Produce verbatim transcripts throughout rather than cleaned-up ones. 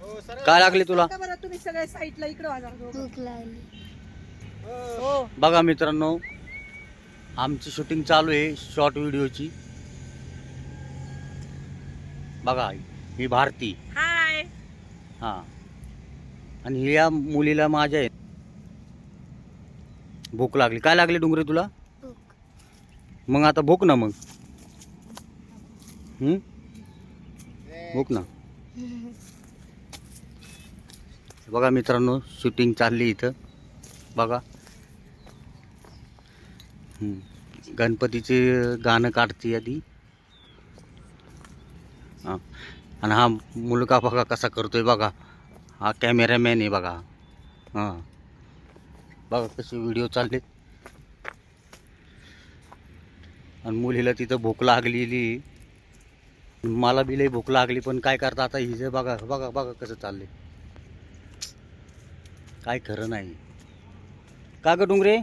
काय लागली तुला? का बरं तुम्ही सगळे साईडला इकडे वाजा. भूक लागली. हो बघा मित्रांनो, आमची शूटिंग चालू आहे शॉर्ट व्हिडिओची. बघा ही भारती, हाय. हा, आणि या मुलीला माझ्या आहे. भूक लागली. काय लागली डुंगरे तुला? भूक. मग आता भूक ना मग. हम्म भूक ना. बघा मित्रांनो, शूटिंग चालली इथं. बघा हम्म. गणपतीचे गाणं काढते आधी. हां, आणि हा मुलगा बघा कसा करतोय. बघा हा कॅमेरामॅन आहे. बघा हां, बघा कसे व्हिडिओ चालले. आणि मुलीला तिथं भूक लागलेली. मला बी लई भूक लागली, पण काय करता आता हिजे. बघा बघा बघा कसं चालले. काय खरं नाही. का ग डुंगरे,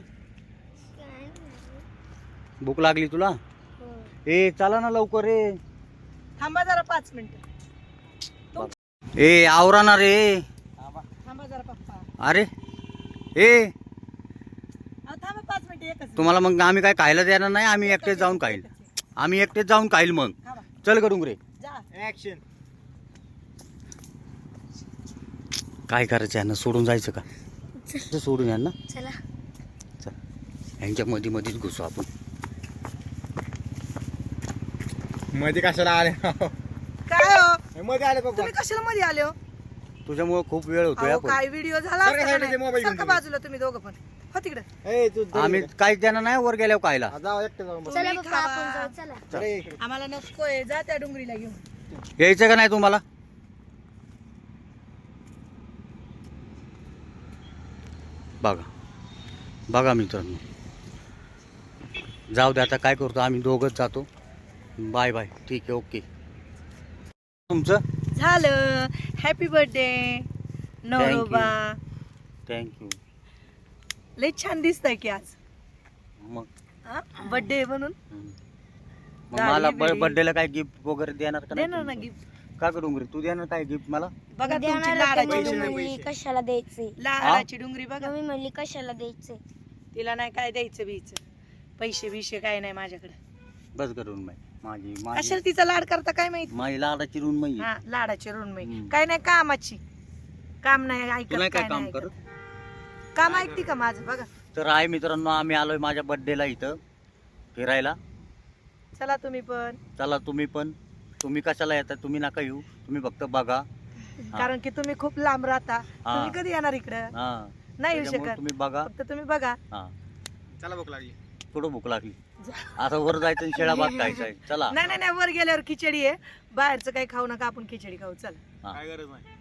भूक लागली तुला? ए चला ना लवकर रे. थांबा जरा पाच मिनिटं. ए आवरा ना रे. थांबा जरा पप्पा. अरे ए, अहो, थांबा पाच मिनिटं एकच. तुम्हाला मग आम्ही काय खायला देणार नाही? आम्ही एकटेच जाऊन खाईल. आम्ही एकटेच जाऊन खाईल. मग थांबा. चल ग डुंगरे. जा. ऍक्शन. काय करायचं यांना? सोडून जायचं का? सोडून यांना चला. चल, यांच्या मध्ये मध्येच घुसू आपण. मध्ये कशाला आले? काय हो मध्ये आले पप्पा. तुम्ही कशाला मध्ये आले हो? तुझ्यामुळे खूप वेळ होतोय. अहो, आपण काय व्हिडिओ झाला सारखं असता का साईडला ते नाही? मोबाईल घेऊन सारखं तुम्ही. बाजूला तुम्ही दोघं पण हो तिकडे. ए तू आम्ही काहीच देणार नाही वर गेल्यावर खायला. जाऊ एकटे जाऊ बस. चला तुम्ही पप्पा खावा. आपण जाऊ. चला. अरे इकडे. आम्हाला नकोय. जा त्या डुंगरीला घेऊन. यायचं का नाही तुम्हाला? बघा बघा मित्रांनो, जाऊ दे आता. काय करतो आम्ही दोघंच जातो. Bye bye. ठीक आहे, ओके. तुमचं झालं. हॅपी बर्थडे नवरोबा. थँक्यू. लय छान दिसतंय की आज. मग बर्थडे म्हणून मग गाडी मला बिडी. बर्थडेला काय गिफ्ट वगैरे देणार का नाही देणार ना तुम्ही? गिफ्ट. का ग डुंगरी, तू देणार काय गिफ्ट मला? बघा तुमची देणार होते, लाडाची मम्मी पैसे नाही, डुंगरी. म्हणली कशाला द्यायचे. लाडाची डुंगरी बघा. मम्मी म्हणली कशाला द्यायचे. तिला नाही काय द्यायचं बीच. पैसे बिशे काय नाही माझ्याकडे. बस करून माई माझी माझी कशाला तिचा लाड करता काय माहिती. माझी लाडाची रून माई. हा लाडाची ऋणमयी. हम्म. काय नाही कामाची. काम नाही तू ऐकत. नाही काय काय काम नाही करत? ऐकत. काम ऐकते का माझं? बघा तर आहे मित्रांनो, आम्ही आलोय माझ्या बर्थडेला इथं फिरायला. चला तुम्ही पण. चला तुम्ही पण. तुम्ही कशाला येता? तुम्ही नका येऊ. तुम्ही फक्त बघा. हा. कारण की तुम्ही खूप लांब राहता. हा. तुम्ही कधी येणार इकडं? हा, नाही येऊ त्याच्यामुळे शकत. तुम्ही बघा. फक्त तुम्ही बघा. हा, चला भूक लागली. थोडं भूक लागली. आता वर जायचं आणि शेळा भात खायचा आहे. चला. नाही नाही नाही वर गेल्यावर खिचडी आहे. बाहेरचं काही खाऊ नका. आपण खिचडी खाऊ. चला. हा. काय गरज नाही.